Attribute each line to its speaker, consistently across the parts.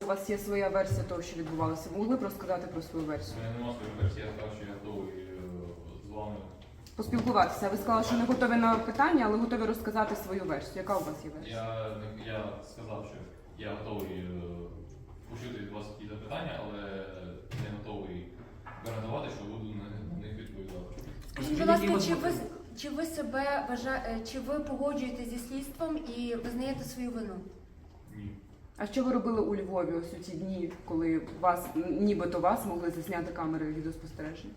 Speaker 1: вас є своя версія того, що відбувалося. Ви могли б розказати про свою версію?
Speaker 2: У мене немає своєї версії, я сказав, що я готовий з вами.
Speaker 1: Поспілкуватися. Ви сказали, що не готові на питання, але готові розказати свою версію. Яка у вас є версія?
Speaker 2: Я сказав, що я готовий почути від вас якісь запитання, але не готовий гарантувати, що буду на них відповідати.
Speaker 3: Скажіть, будь ласка, чи ви себе чи ви погоджуєтеся зі слідством і визнаєте свою вину?
Speaker 2: Ні.
Speaker 1: А що ви робили у Львові ось у ті дні, коли вас, нібито вас могли засняти камери відеоспостереження?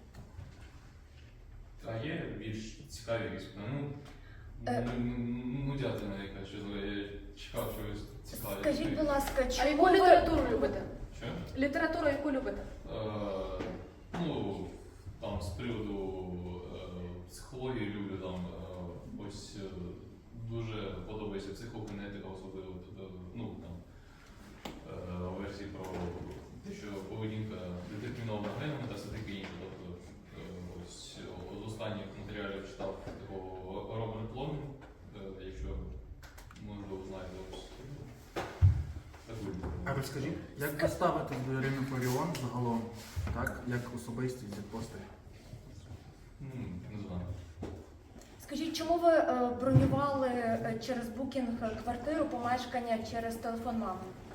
Speaker 2: А є більш цікаві якісь питання? Нудятина якась, що я чекав чогось цікавого.
Speaker 3: Скажіть, будь ласка,
Speaker 4: А
Speaker 3: чому
Speaker 4: яку
Speaker 3: ви...
Speaker 4: літературу любите?
Speaker 2: Що?
Speaker 4: Літературу яку любите?
Speaker 2: Ну, там з приводу психології люблю, там ось дуже подобається психокінетика, особливо ну, там, версії про те, що поведінка детермінована генами та все таке інше. Тобто, ось з останніх матеріалів читав такого Роберт Пломін, якщо можливо знаєте, ось таку.
Speaker 5: А розкажіть, як ви ставитесь до Ірини Фаріон загалом, так, як особистість, як постать?
Speaker 2: Не знаю.
Speaker 3: Скажіть, чому ви бронювали через букінг квартиру, помешкання через телефон мами?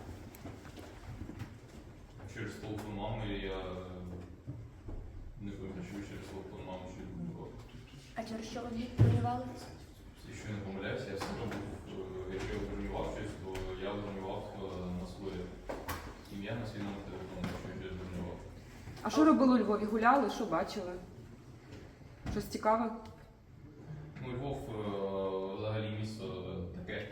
Speaker 2: Через телефон мами я не пам'ятаю, що через телефон мами ще було.
Speaker 3: А через що ви бронювали?
Speaker 2: Якщо я не помиляюся, я все робив, якщо я бронював щось, то я бронював на своє ім'я, на свій номер телефону, якщо я щось бронював.
Speaker 1: А що робили у Львові? Гуляли? Що бачили? Щось цікаве?
Speaker 2: Ну, Львов взагалі місто таке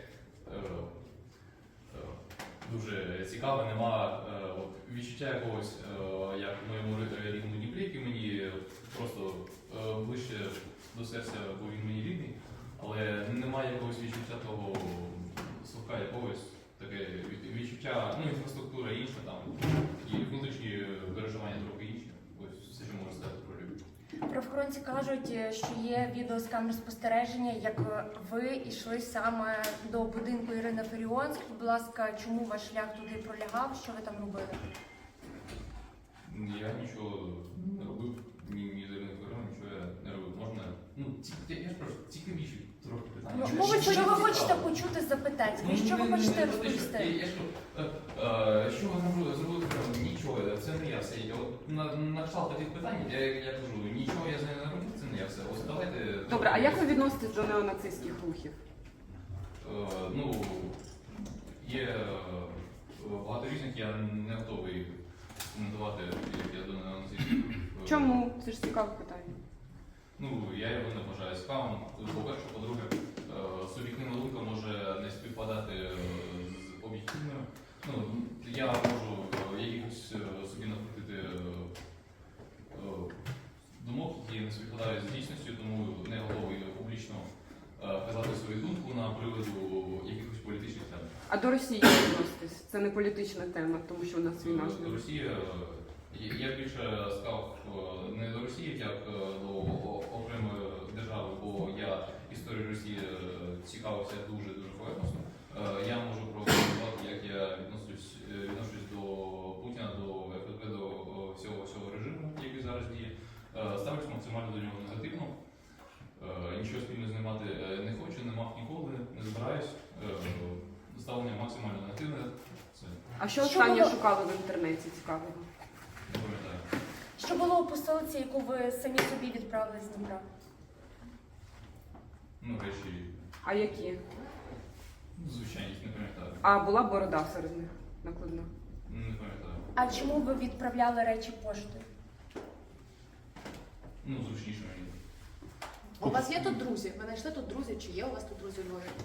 Speaker 2: дуже цікаве, нема відчуття якогось, як в моєму рідному Дніпрі, який мені просто ближче до серця, бо він мені рідний, але немає якогось відчуття того совка якогось, таке відчуття, ну, інфраструктура інша, там, і внутрішні переживання трохи інші. Ось все, що можу сказати про Львів.
Speaker 3: Правоохоронці кажуть, що є відео з камер спостереження, як ви йшли саме до будинку Ірини Фаріон. Скажіть, будь ласка, чому ваш шлях туди пролягав? Що ви там робили?
Speaker 2: Я нічого не робив, ні з Іриною Фаріон, нічого я не робив. Можна, ну, я ж прошу, цікавіші трохи питання.
Speaker 3: Що ви хочете почути з запитань? Що ви хочете розповісти?
Speaker 2: Що ви зробили? Нічого, це не я все. На кшталт таких питань, я кажу, нічого я з нею не робив, це не я все. Ось давайте...
Speaker 1: Добре, а як ви відноситесь до неонацистських рухів?
Speaker 2: Ну, є багато різних, я не готовий коментувати, як я до неонацистських рухів.
Speaker 1: Чому? Це ж цікаве питання.
Speaker 2: Ну, я його не вважаю цікавим. По-перше, по-друге, суб'єктивна думка може не співпадати з об'єктивною. Ну, я можу якихось собі накрутити думок, які не співпадають з дійсністю, тому не готовий публічно казати свою думку на приводу якихось політичних тем.
Speaker 1: А до Росії як відноситесь? Це не політична тема, тому що у нас війна з ними.
Speaker 2: Росія, я більше сказав не до Росії, як до окремої держави, бо я історію Росії цікавився дуже поверхностно. Я можу прокоментувати, як я відношусь до Путіна, до ФСБ, до всього режиму, який зараз діє. Ставлюсь максимально до нього негативно. Нічого спільно знімати не хочу, не мав ніколи, не збираюсь. Ставлення максимально негативне.
Speaker 1: А що останнє шукали в інтернеті цікавого?
Speaker 2: Не пам'ятаю.
Speaker 3: Що було у посилці, яку ви самі собі відправили з Дніпра?
Speaker 2: Ну, речі,
Speaker 1: А які?
Speaker 2: звичайність, не пам'ятаю.
Speaker 1: А була борода серед них накладна?
Speaker 2: Не пам'ятаю.
Speaker 3: А чому ви відправляли речі поштою?
Speaker 2: Ну, зручніше мені.
Speaker 4: У вас є тут друзі? Ви знайшли тут друзі? Чи є у вас тут друзі у Львові?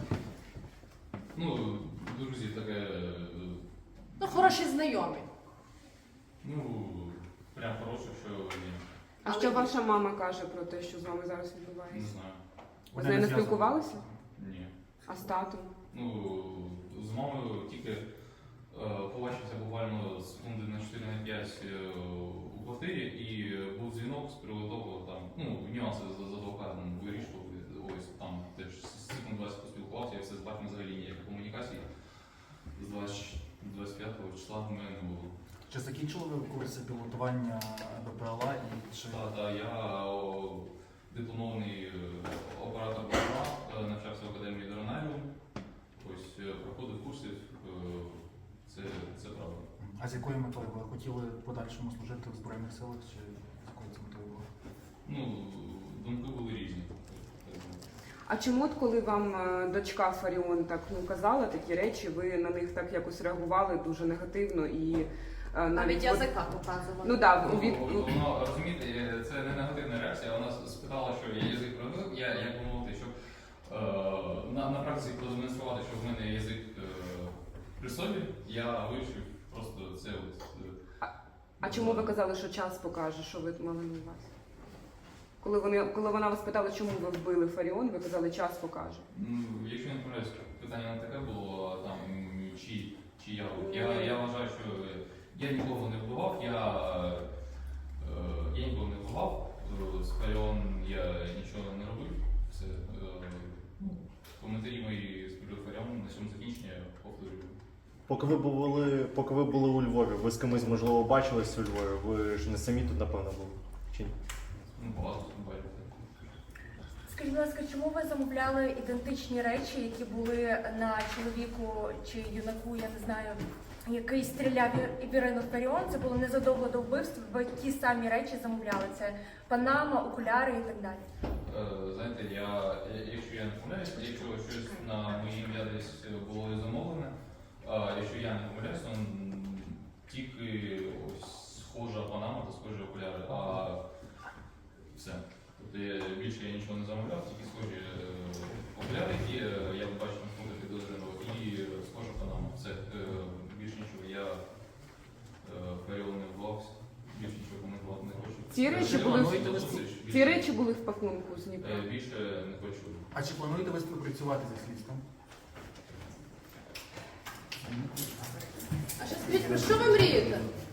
Speaker 2: Ну, друзі, таке.
Speaker 4: Ну, хороші знайомі.
Speaker 2: Ну, прям хороше, що ні.
Speaker 1: А що ваша мама каже про те, що з вами зараз
Speaker 2: Не
Speaker 1: відбувається?
Speaker 2: знаю.
Speaker 1: Ви з нею не
Speaker 5: зв'язані.
Speaker 1: спілкувалися?
Speaker 2: Ні.
Speaker 1: А з татом?
Speaker 2: Ну, з мамою тільки побачився буквально секунди на 4-5 у квартирі, і був дзвінок з приводу того, там, ну, нюанси з адвокатом вирішували. Ось там теж секунд 20 поспілкувався, і все з батьком взагалі ніякої комунікації. З 25 числа в мене не було.
Speaker 5: Чи закінчили ви курси пілотування БПЛА і чи
Speaker 2: Я дипломований оператор БПЛА, навчався в академії Дронаріум. Ось проходив курси, це правда.
Speaker 5: а з якою метою ви хотіли в подальшому служити в Збройних силах, чи з якою це метою було?
Speaker 2: Ну, думки були різні.
Speaker 1: А чому, от коли вам дочка Фаріон так казала такі речі, ви на них так якось реагували дуже негативно і
Speaker 4: Навіть язика показували.
Speaker 1: Ну так,
Speaker 2: Воно, розумієте, це не негативна реакція. Вона спитала, що я язик провів, я як би мовити, щоб на практиці продемонструвати, що в мене язик при собі, я вивчив просто це от.
Speaker 1: А чому ви казали, що час покаже, що ви мали на увазі? Коли вона вас питала, чому ви вбили Фаріон, ви казали, час покаже.
Speaker 2: Ну, якщо не помиляюсь, питання не таке було, там, чи я вважаю, що я нікого не вбивав, я нікого не вбивав, з Фаріон я нічого не робив. Все, коментарі мої з приводу Фаріон на цьому закінчення повторюю.
Speaker 6: Поки ви були у Львові, ви з кимось, можливо, бачились у Львові? Ви ж не самі тут, напевно, були? Чи ні?
Speaker 2: Ну, багато бачив.
Speaker 3: Скажіть, будь ласка, чому ви замовляли ідентичні речі, які були на чоловіку чи юнаку, я не знаю, який стріляв в Ірину Фаріон? Це було незадовго до вбивства, ви ті самі речі замовляли. Це панама, окуляри і так далі.
Speaker 2: Знаєте, якщо я не помиляюсь, якщо щось на моє ім'я десь було замовлене, якщо я не помиляюсь, то тільки ось схожа панама та схожі окуляри, а все. Тобто більше я нічого не замовляв, тільки схожі окуляри, які я бачив на фото підозрюваного, і схожа панама. Все, більше нічого. Я Фаріон не вбивався, більше нічого коментувати не хочу.
Speaker 1: Ці речі були в пакунку з Дніпра?
Speaker 2: Більше не хочу.
Speaker 5: А чи плануєте ви співпрацювати зі слідством?
Speaker 4: А ще скажіть, про що ви мрієте?